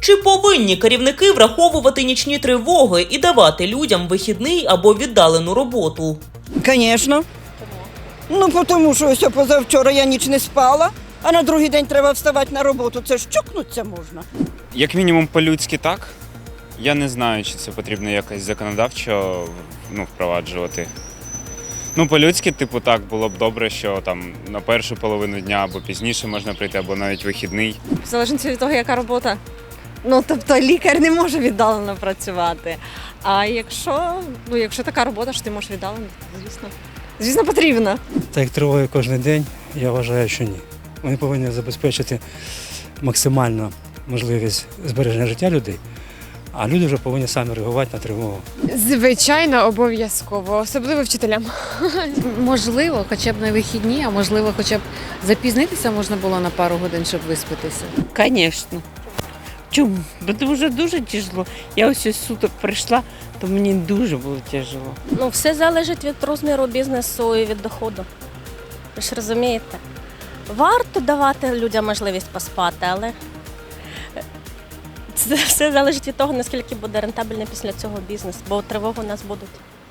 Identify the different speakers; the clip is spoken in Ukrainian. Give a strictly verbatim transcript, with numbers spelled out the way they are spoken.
Speaker 1: Чи повинні керівники враховувати нічні тривоги і давати людям вихідний або віддалену роботу?
Speaker 2: Звісно. Ну, тому що ось позавчора я ніч не спала, а на другий день треба вставати на роботу. Це ж чокнуться можна.
Speaker 3: Як мінімум по-людськи так. Я не знаю, чи це потрібно якось законодавчо ну, впроваджувати. Ну, по-людськи, типу, так, було б добре, що там на першу половину дня або пізніше можна прийти, або навіть вихідний.
Speaker 4: В залежності від того, яка робота. Ну, тобто лікар не може віддалено працювати. А якщо, ну, якщо така робота, що ти можеш віддалено, звісно. Звісно, потрібно.
Speaker 5: Так як триває кожен день, я вважаю, що ні. Вони повинні забезпечити максимальну можливість збереження життя людей, а люди вже повинні самі реагувати на тривогу.
Speaker 6: Звичайно, обов'язково, особливо вчителям.
Speaker 7: Можливо, хоча б на вихідні, а можливо, хоча б запізнитися можна було на пару годин, щоб виспатися.
Speaker 8: Звісно. Чому? Бо дуже дуже тяжело. Я ось ось суток прийшла, то мені дуже було тяжело.
Speaker 9: Ну, все залежить від розміру бізнесу і від доходу. Ви ж розумієте? Варто давати людям можливість поспати, але це все залежить від того, наскільки буде рентабельний після цього бізнес, бо тривоги у нас будуть.